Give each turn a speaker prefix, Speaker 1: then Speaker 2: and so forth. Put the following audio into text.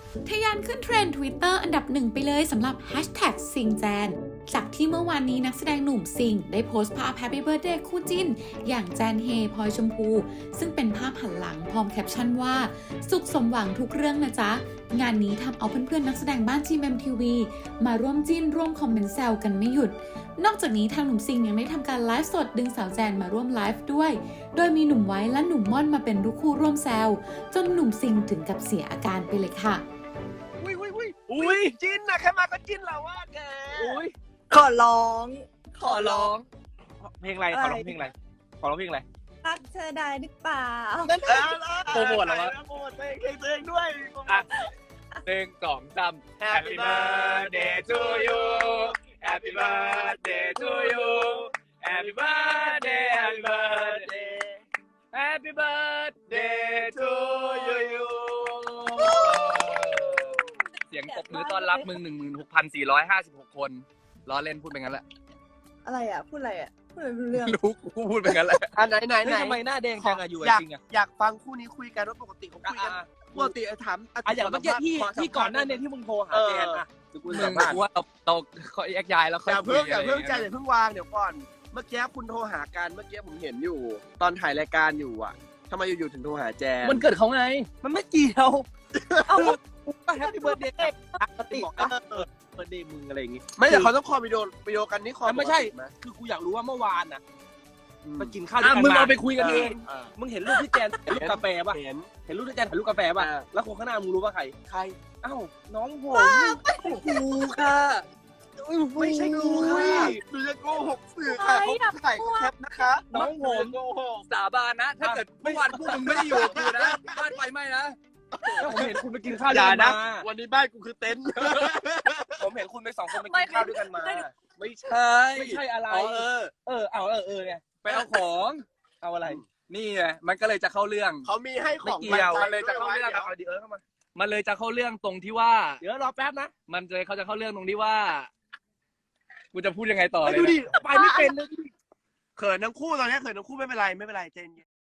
Speaker 1: ทะยานขึ้นเทรนด์ Twitter อันดับหนึ่งไปเลยสำหรับ Hashtag ซิงแจนจากที่เมื่อวานนี้นักแสดงหนุ่มซิงได้โพสต์ภาพ Happy Birthday คู่จิ้นอย่างแจนเฮพลอยชมพูซึ่งเป็นภาพหันหลังพร้อมแคปชั่นว่าสุขสมหวังทุกเรื่องนะจ๊ะงานนี้ทำเอาเพื่อนๆนักแสดงบ้าน GMMTV มาร่วมจิ้นร่วมคอมเมนต์แซวกันไม่หยุดนอกจากนี้ทางหนุ่มซิงยังได้ทำการไลฟ์สดดึงสาวแจนมาร่วมไลฟ์ด้วยโดยมีหนุ่มไว้และหนุ่มม่อนมาเป็นลูกคู่ร่วมแซวจนหนุ่มซิงถึงกับเสียอาการไปเลยค่ะ
Speaker 2: อุ้ยจิ้นนะแค่มาก็จิ้นแล้วว่าแกอุ้ย
Speaker 3: ขอร้อง
Speaker 2: เพลงอะไรขอร้องเพลงอะไร
Speaker 3: รักเธอได้หรือเปล่า
Speaker 2: โปรโมทเหรอวะโปรโมทเพลงตัวเองด้วย
Speaker 4: 1 2 3 Happy birthday to you Happy birthday to you Happy birthday Happy birthday Happy birthday to you เสียงตบมือต้อนรับมึง 16,456 คนล้อเล่นพูดไปงั้นแหละ
Speaker 3: อะไรอ่ะ พูดอะไรอ่ะ พูดอะไรไม่รู้เรื่อง
Speaker 4: รู้กูพูดไปงั้นแหละ
Speaker 2: ไหน
Speaker 4: ทำไมหน้าแดงจังอะอยู่จริงอะ
Speaker 2: อยากฟังคู่นี้คุยกันว่าปกติเขาคุยกันปกติถาม
Speaker 4: อย่างเมื่อกี้ที่ก่อนหน้านี้ที่มึงโทรหาแจนอะมึงว่าเราแยกย้ายแล้วค่อย
Speaker 2: อย่าเพิ่งใจอย่าเพิ่งวางเดี๋ยวก่อนเมื่อกี้คุณโทรหากันเมื่อกี้ผมเห็นอยู่ ตอนถ่ายรายการอยู่อ่ะทำไมอยู่ๆถึงโทรหาแจน
Speaker 4: มันเกิดเขาไงมันไม่เกี่ยว
Speaker 3: เอา
Speaker 4: ก็แฮปปี้เบิร์ดเดย์ปกติบอกว่าเบิร์ดเดย์มึงอะไรอย่างงี้
Speaker 2: ไม่แต่เขาต้องคอวิดีโอกันนี่คอ
Speaker 4: ไม่ใช่ คือกูอยากรู้ว่าเมื่อวานน่ะไปกินข้าวด้วยกันมึงเอาไปคุยกันเองมึงเห็นรูปที่แจนถ่ายรูปกาแฟป่ะเห็นรูปที่แจนถ่ายรูปกาแฟป่ะแล้วคนข้างหน้ามึงรู้ว่าใครอ้าวน้องผมกูค่ะ
Speaker 2: ไม่ใช่กูค่ะหนูจะโกหกสื่อค่ะเขาถ่ายแคปนะคะ
Speaker 4: น้องผมสาบานนะถ้าเกิดเมื่อวานพวกมึงไม่ได้อยู่กับกูนะบ้านไฟไหม้นะแล้วผมเห็นคุณไปกินข้าวด้วยกันมา
Speaker 2: วันนี้บ้านกูคือเต็นท์
Speaker 4: ผมเห็นคุณไป2 คนไปกินข้าวด้วยกันมาไม่ใช่อะไรเนี่ยไปเอาของเอาอะไรนี่ไงมันก็เลยจะเข้าเรื่อง
Speaker 2: เขามีให้ของ
Speaker 4: ไม่เกี่ยวมันเลยจะเข้าเรื่องเอาดีเข้ามามันเลยจะเข้าเรื่องตรงที่ว่าเดี๋ยวรอแป๊บนะมันเลยเขาจะเข้าเรื่องตรงที่ว่ากูจะพูดยังไงต่อเลย
Speaker 2: ดูดิไปไม่เป็นเลยเขินทั้งคู่ตอนนี้เขินทั้งคู่ไม่เป็นไรเจน